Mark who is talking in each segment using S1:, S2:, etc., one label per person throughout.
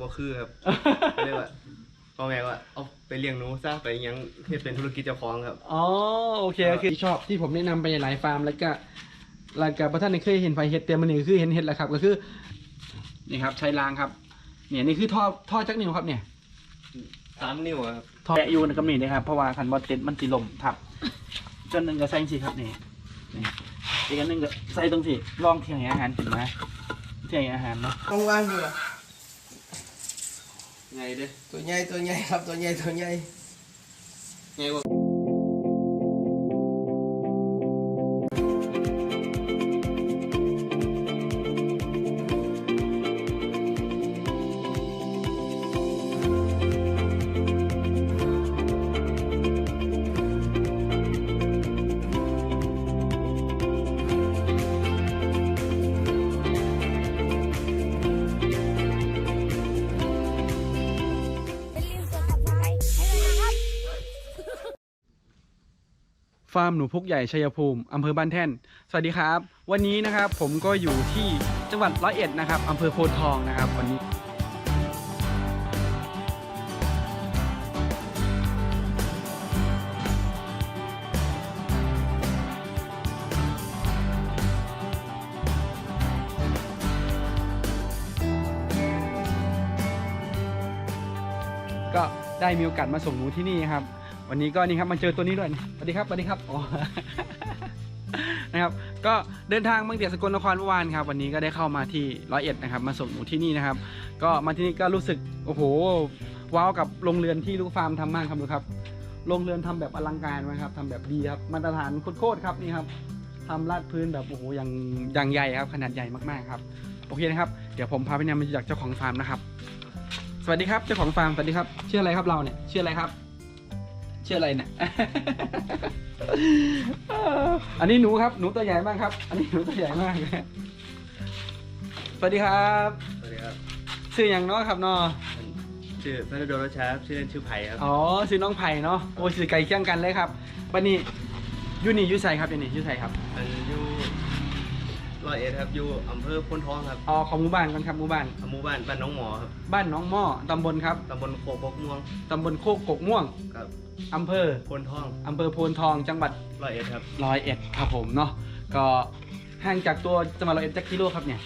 S1: บ่คือครับเรียกว่าพ่อแม่ว่าเอาไปเลี้ยงหนูซะไปยังเฮ็ดเป็นธุรกิจเจ้าของครับ
S2: อ๋อโอเคก็คือชอบที่ผมแนะนำไปหลายฟาร์มแล้วก็พระท่านเคยเห็นไฟเห็ดเต็มมันนี่คือเห็นเห็ดแล้วครับก็คือนี่ครับใช้รางครับเนี่ยนี่คือท่อจักนิ้วครับเนี่ย
S1: 3 นิ้วครับ
S2: ท่อแกะอยู่ในกำนี่นะครับเพราะว่าคันบอลเต็ดมันติลมทับจนหนึ่งก็ใส่สิครับนี่อีกอันหนึ่งก็ใส่ตรงสิลองเที่ยงอาหารกินนะเที่ยงอาหารเนาะ
S3: ต้องว่างอยู่อะ
S1: ไงเด้
S3: ตัวใหญ่ครับตัวใหญ่
S1: ไงวะ
S2: ฟาร์มหนูพุกใหญ่ชัยภูมิอำเภอบ้านแท่นสวัสดีครับวันนี้นะครับผมก็อยู่ที่จังหวัด101นะครับอำเภอโพธิ์ทองนะครับวันนี้ก็ได้มีโอกาสมาส่งหนูที่นี่ครับวันนี้ก็นี่ครับมาเจอตัวนี้ด้วยสวัสดีครับอ๋อ นะครับก็เดินทางมาจากสกลนครเมื่อวานครับวันนี้ก็ได้เข้ามาที่101นะครับมาส่งหนูที่นี่นะครับก็มาที่นี่ก็รู้สึกโอ้โหว้าวกับโรงเรือนที่ลูกฟาร์มทำมากครับดูครับโรงเรือนทำแบบอลังการนะครับทำแบบดีครับมาตรฐานโคตรครับนี่ครับทำลาดพื้นแบบโอ้โหอย่างใหญ่ครับขนาดใหญ่มากๆครับโอเคนะครับเดี๋ยวผมพาไปนำมาจากเจ้าของฟาร์มนะครับสวัสดีครับเจ้าของฟาร์มสวัสดีครับชื่ออะไรครับเราเนี่ยชื่ออะไรครับชื่ออะไรเนี่ย อันนี้หนูครับหนูตัวใหญ่มากครับอันนี้หนูตัวใหญ่มากสวัสดีครับ
S1: สวัสดีครับ
S2: ชื่ออย่างน้อยครับน้อ
S1: ชื่อพระดลรัชชาชื่อเล่นชื่อไผ่ครับ
S2: อ๋อชื่อน้องไผ่เนาะโอ้ชื่อไก่เคี่ยงกันเลยครับวันนี้ยูนี่ยูไซครับยูนี่ยูไซครับ
S1: อยู่101ครับอยู่อำเภอโพธิ์ทองครับ
S2: อ๋อของหมู่บ้านกันครับหมู่บ้าน
S1: บ้านน้องหมอครับ
S2: บ้านน้องหม้อตำบลครับ
S1: ตำบลโคกกม่วง
S2: ตำบลโคกม่วง
S1: ครับ
S2: อำเภอ
S1: โพธิ์ทอง
S2: โพธิ์ทองจังหวัด
S1: 101ครับ
S2: 101ครับผมเนาะก็ห่างจากตัวจังหวัด101จักกิโลครับเนี่ย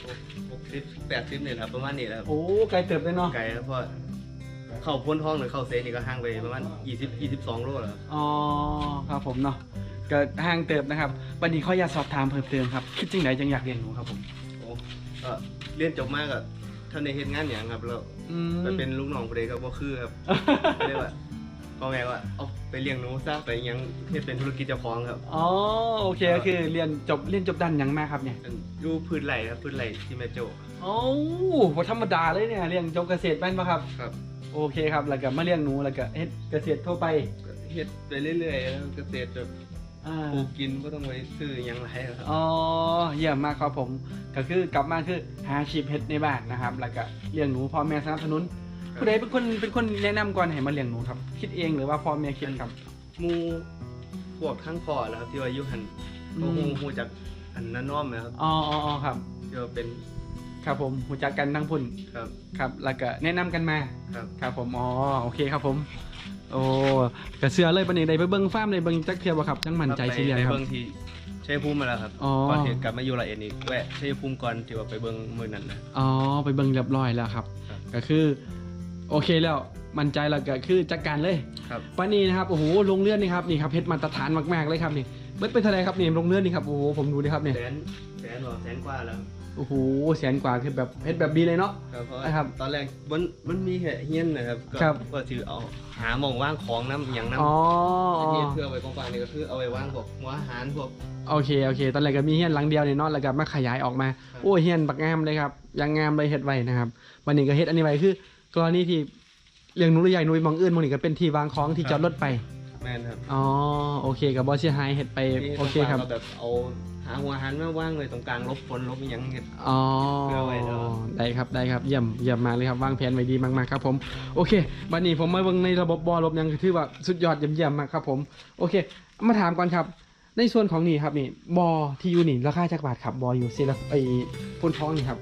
S1: 60-80เนี่ยครับประมาณนี้ครับ
S2: โอ้ไกลเติบเลยเนาะ
S1: ไกลครับเพราะเข้าโพธิ์ทองหรือเข้าเซนนี่ก็ห่างไปประมาณ22 โลแล้ว
S2: อ๋อครับผมเนาะก็ห่างเติบนะครับวันนี้เขาอยากสอบถามเพิ่มเติมครับคิดจริงไหนยังอยากเรียนหนูครับผม
S1: โอ้เรียนจบมากกับท่านในเฮ็ดงานอย่างครับแล้วไปเป็นลูกน้องผู้ใดก็บ่คือครับเรียกว่าพ่อแม่ว่าเอาไปเลี้ยงหนูซะไปยังเฮ็ดเป็นธุรกิจเจ้าของครับ
S2: อ๋อโอเคก็คือเรียนจบด้านยังมากครับเนี่ย
S1: อยู่พื้นไหลครับพื้นไหลที่แม่โจ้
S2: โอ้โหธรรมดาเลยเนี่ยเรียนจบเกษตรแม่นป่ะครับ
S1: ครับ
S2: โอเคครับแล้วก็มาเลี้ยงหนูแล้วก็เฮ็ดเกษตรทั่วไป
S1: เฮ็ดไปเรื่อยๆแล้วเกษตรแบบปลูกกินก็ต้องไปซื้ออย่างไรครับ
S2: อ๋อเยี่ยมมากครับผมก็คือกลับมาคือหาอาชีพเฮ็ดในบ้านนะครับแล้วก็เลี้ยงหนูพ่อแม่สนับสนุนผู้ใดเป็นคนแนะนำก่อนให้มาเลี้ยงหนูครับคิดเองหรือว่าพ่อแม่คิดครับ
S1: มูพวกทั้งพ่อแล้วครับที่ว่าอยู่หันหูจากอันนั้นน้อมนะครับ
S2: อ๋อครับ
S1: ที่ว่าเป็น
S2: ครับผมหูจักกันทั้งพุ่นครับแล้วก็แนะนำกันมาครับผมอ๋อโอเคครับผมโอ้กระเสือเลยปะเนี่ยได้ไปเบิ้งฟาร์มได้เบิ้งจักเทียบครับจังมั่นใจสิเรียนครับ
S1: ไปเบิ้งที่ชัยภูมิมาแล้วครับก่อนที่กลับมาอยู่101อีกแวะชัยภูมิก่อนที่ว่าไปเบิ้งมื้อนั้นนะ
S2: อ๋อไปเบิ้งเรียบร้อยแล้วครับก็คือโอเคแล้วมั่นใจแล้วก็คือจัดการเลย
S1: ครับ
S2: ปะนี้นะครับโอ้โหลงเลื่อนนี่ครับนี่ครับเพชรมาตรฐานมากๆเลยครับนี่เบิ้งเป็นเท่าไรครับนี่ลงเลื่อนนี่ครับโอ้โหผมดูดิครับเนี่ย
S1: แสนกว่าแล้ว
S2: โอ้โหแสนกว่าคือแบบเพชรแบบดีเลยเนาะ
S1: ครับตอนแรกมันมีแค่เฮี้ยนนะครับก็ถือเอาหาหม่องว่างของน้ำอย่างนั้นเฮี้ยนเพื่อเอาไว้กองๆนี่ก็คือเอาไว้ว่างพวกหัวอาหารพวก
S2: โอเคตอนแรกก็มีเฮี้ยนหลังเดียวเนี่ยเนาะแล้วก็มาขยายออกมาโอ้เฮี้ยนบักงามเลยครับยังงามเลยเฮ็ดไว้นะครับวันนี้ก็เฮ็ดอันนี้ไว้คือกรณีที่เลี้ยงหนูหรือใหญ่หนูมองอื่นมองนี่ก็เป็นที่วางของที่จอดรถไป
S1: แม่นครับ
S2: อ๋อโอเคกับบอสเชียไฮเฮ็ดไปโอเคครับ
S1: แบบเอาหาหัวอาหารมาว่างเลยตรงกลางลบฝนลบอย่างเงี้ย
S2: อ๋อได้ครับเยี่ยมมากเลยครับวางแผนไว้ดีมากๆครับผมโอเคบัดนี้ผมมาเบิ่งในระบบบอลบยังถือว่าสุดยอดเยี่ยมมากครับผมโอเคมาถามก่อนครับในส่วนของนี่ครับนี่บอที่อยู่นี่ราคาจักบาทครับบออยู่เซลไอพ่นท้องนี่ครับ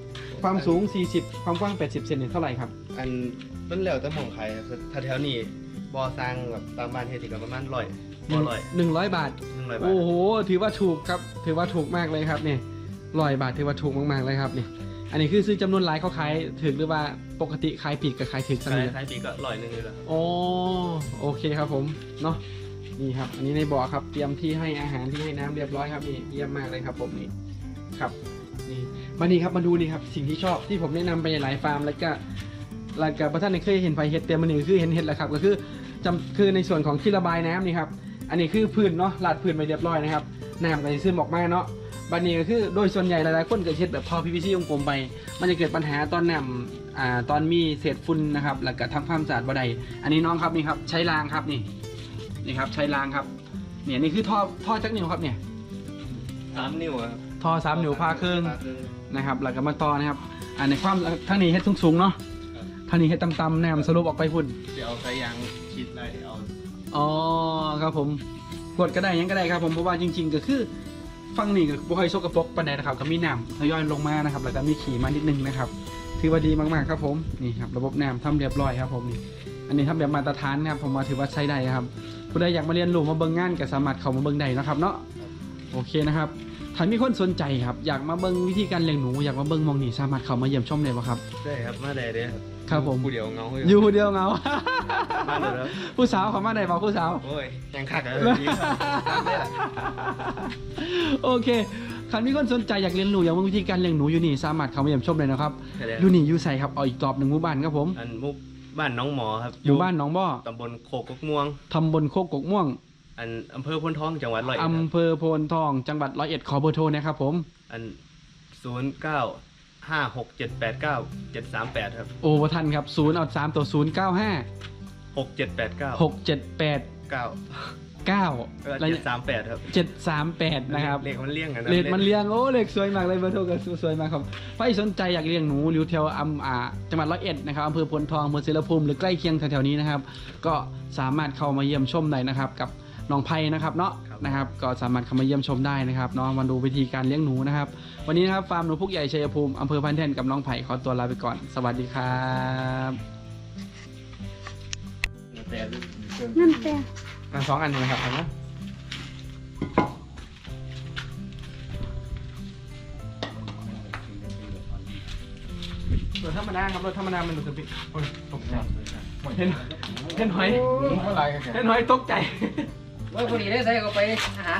S2: ความสูง40ความกว้าง80เซนเนี่ยเท่าไหร่ครับ
S1: อันมันแล้วแต่หม่องไข่ครับถ้าแถวนี้บ่อสร้างแบบตามบ้านเฮ็ดสิก็ประมาณ100บ่
S2: 100 บาท
S1: 100 บาท
S2: โอ้โหถือว่าถูกครับถือว่าถูกมากเลยครับเนี่ย100 บาทถือว่าถูกมากๆเลยครับนี่อันนี้คือซื้อจำนวนหลายเขาขายถึงหรือว่าปกติขายผิดกับขายถึงสัก
S1: ขาย
S2: นิด
S1: ขายปีก็100นึงเลยแหละครับ
S2: โอ้โอเคครับผมเนาะนี่ครับอันนี้ในบ่อครับเตรียมที่ให้อาหารที่ให้น้ำเรียบร้อยครับนี่เยี่ยมมากเลยครับผมนี่ครับนี่มานี่ครับมาดูนี่ครับสิ่งที่ชอบที่ผมแนะนำไปหลายฟาร์มแล้วก็ประท่านเคยเห็นไฟเห็ดเตรียมมันนี่คือเห็นเห็ดแล้วครับก็คือคือในส่วนของที่ระบายน้ำนี่ครับอันนี้คือพื้นเนาะลาดพื้นไปเรียบร้อยนะครับน้ำก็จะซึมออกมาเนาะบัดนี้ก็คือโดยส่วนใหญ่หลายๆคนก็เช็ดแบบท่อ PVC วงกลมไปมันจะเกิดปัญหาตอนน้ำตอนมีเศษฝุ่นนะครับแล้วก็ทำความสะอาดบ่ได้อันนี้น้องครับนี่ครับใช้รางครับนี่ครับใช้รางครับเนี่ยนี่คือท่อจักนิ้วครับเนี่ย
S1: 3 นิ้วครับ
S2: ท่อ3 นิ้วพาครึ่ง
S1: พาครึ่ง
S2: นะครับแล้วก็มาต่อนะครับในความทั้งนี้เฮ็ดสูงๆเนาะทั้งนี้เฮ็ดต่ำๆน้ำสรุปออกไปพุ่น
S1: เดี๋ยวเอาสายยางฉีดไล่เอา
S2: อ๋อครับผมกดก็ได้ยังก็ได้ครับผมเพราะว่าจริงๆก็คือฝั่งนี้ก็บ่ค่อยสกปรกปานใดนะครับก็มีน้ำทยอยลงมานะครับแล้วก็มีขี้มานิดนึงนะครับถือว่าดีมากๆครับผมนี่ครับระบบน้ำทำเรียบร้อยครับผมนี่อันนี้ทำแบบมาตรฐานนะครับผมมาถือว่าใช้ได้ครับผู้ใดอยากมาเรียนรู้มาเบิ่งงานก็สามารถเข้ามาเบิ่งได้นะครับเนาะโอเคนะครับถ้ามีคนสนใจครับอยากมาเบิ่งวิธีการเลี้ยงหนูอยากมาเบิ่งมองนี่สามารถเข้ามาเยี่ยมชมได้บ่ครับ
S1: ได้ครับมาได้เด้อครับ
S2: ครับผม
S1: ผู้เดียวเงา
S2: อยู่คนเดียวเหงา
S1: มาเลยครับ
S2: ผู้สาวเขามาได้บ่ผู้สาว
S1: โอ้ยยังคักเลยนี่ตามได้ล่ะ
S2: โอเคคันมีคนสนใจอยากเรียนรู้อยากรู้วิธีการเลี้ยงหนูอยู่นี่สามารถเข้ามาเยี่ยมชมเลยนะครับ
S1: ใช่แล้ว
S2: อยู่นี่อยู่ใส่ครับเอาอีกตอบหนึ่งหมู่บ้านครับผม
S1: อันมุกบ้านน้องหมอครับ
S2: อยู่บ้านหนองบ่อ
S1: ตำบลโคกกม่วง
S2: ตำบลโคกกกม่วง
S1: อันอำเภอพ้นท้องจังหวัดร้อยเอ็ดครับ
S2: อำเภอโพนทองจังหวัด101ขอเบอร์โทรนะครับผม
S1: อัน0956789738ครับ
S2: โอ้บ่ทันครับ0เอา3ตัว0 9 5
S1: 6789
S2: 6 7 8
S1: 9
S2: 9
S1: 738ครับ
S2: 738นะครับ
S1: เลขมันเลี่ยงกันนะ
S2: เลดมันเลี้ยงโอ้เลขสวยมากเลยเบอร์โทรก็สวยมากครับใครสนใจอยากเลี้ยงหนูหรือแถวจังหวัด101นะครับอำเภอพลทองอำเภอเสรภูมิหรือใกล้เคียงแถวๆนี้นะครับก็สามารถเข้ามาเยี่ยมชมได้นะครับกับน้องไพนะครับเนาะนะครับก็สามารถเข้ามาเยี่ยมชมได้นะครับเนาะมาดูวิธีการเลี้ยงหนูนะครับวันนี้นะครับฟาร์มหนูพุกใหญ่ชัยภูมิอำเภอพันแท่นกับน้องไผ่ขอตัวลาไปก่อนสวัสดีครับ
S4: นั่นแต่
S2: 2 อันนี้นะครับเอานะรถธรรมดาครับรถธรรมดามันดูสปิโอ้ยตกใจเห็นหอยเห็นหอยตกใจ
S3: ว่าพอดีได้ใส่เข้าไปอาหาร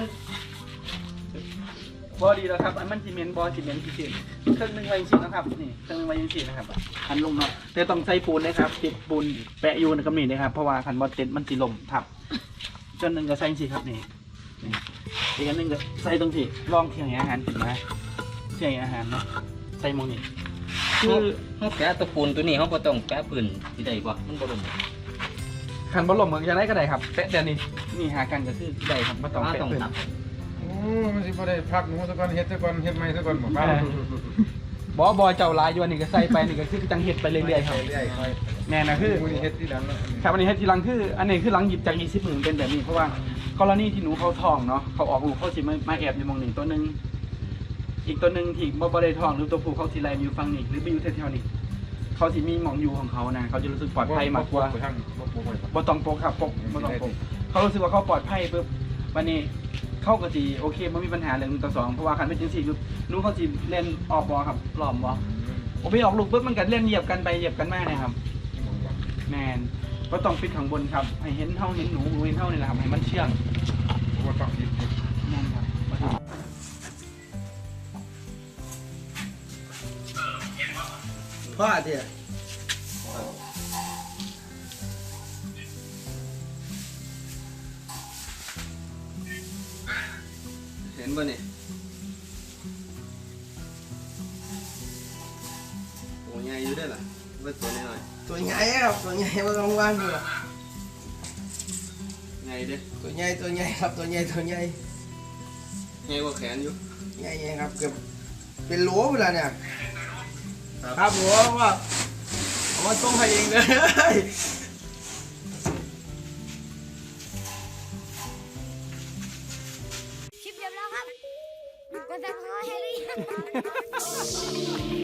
S2: บอดีแล้วครับอันมันซีเมนต์บอซีเมนต์พิเศษเครื่องหนึงไว้ยังสีนะครับนี่เครื่องหนึงไว้ยังสีนะครับคันลงเนาะแต่ต้องใส่ปูนนะครับติดปูนแปะอยู่นะครับนี่นะครับเพราะว่าคันบอลเต็ดมันสีลมทับจนหนึ่งก็ใส่สีครับนี่อีกอันหนึ่งก็ใส่ตรงที่รองเคียงอาหารถึงนะเคียงอาหารเนาะใส่มองนี่คือ
S3: เขาแกะตะปูนตัวนี้เขาบ่ต้องแกะปืนที่ใดบ่มันบ่ลง
S2: คันบอลลมก็จะได้ก็ได้ครับแปะแต่นี่หากันก็คือได้ครับไม่ต้อง
S3: ว่า
S2: แปะ
S3: ต้อง
S2: เพิ่น
S3: ตับ
S5: โอ้มันสิบ่ได้พักหนูซะก่อนเฮ็ดซะก่อนเฮ็ดใหม่ซะก่อนบ่ครับ
S2: บอเจ้าลายอยู่อันนี้ก็ใส่ไปนี่ก็คือจังเห็ดไปเรื่อยๆครับ
S1: เรื่อยๆค่อย
S2: แน่นะคือ
S5: มื้อนี้เฮ็ดที่หลังแล้ว
S2: ครับอันนี้ให้ทีหลังคืออันนี้คือหลังหยิบจาก20หมื่นเป็นแบบนี้เพราะว่ากรณีที่หนูเขาท้องเนาะเขาออกลูกเขาสิมาแอบอยู่มองนี่ตัวหนึงอีกตัวหนึงที่บ่ได้ท้องหรือตัวผู้เขาสิไล่อยู่ฝั่งนี้หรือไปอยู่แถวๆนี้เขาสิมีหมองอยู่ของเขานะเขาจะรู้สึกปลอดภัยมากกว่า
S5: บ่ทางบ่ปลูกไว้ครับ
S2: บ่ต้องปกครับปกบ่ต้องปกเขารู้สึกว่าเขาปลอดภัยปุ๊บวันนี้เขาก็สิโอเคบ่มีปัญหาเรื่อง1 ต่อ 2เพราะว่าคันเป็นจังซี่ปุ๊บหนูเขาสิเล่นออกบ่ครับล้อมบ่โอ้ไปออกลูกปุ๊บมันก็เล่นเหยียบกันไปเหยียบกันมานะครับ แมนก็ต้องปิดข้างบนครับให้เห็นเท่าเห็นหนูเห็นเท่านี่แหละครับให้มันเชื่อง
S5: บ่ต้องคิด
S2: แม่นครับ
S3: พ่อเถี่ย
S1: เห็นป่ะนี่โอ้ใหญ่อยู่ด้วยล่ะว่าตัวน้อย
S3: ตัวใหญ่ครับตัวใหญ่บ่ต้องว่างอยู่หรอก
S1: ใหญ่เด้
S3: ตัวใหญ่ครับตัวใหญ่
S1: ใหญ่กว่าแขนอยู่
S3: ใหญ่ครับเกือบเป็นโหลไปแล้วเนี่ยครับผมว่าเอามาส่งให้เองเลย
S4: คลิปจบแล้วครับกดซับสไครต์ให้หรือยัง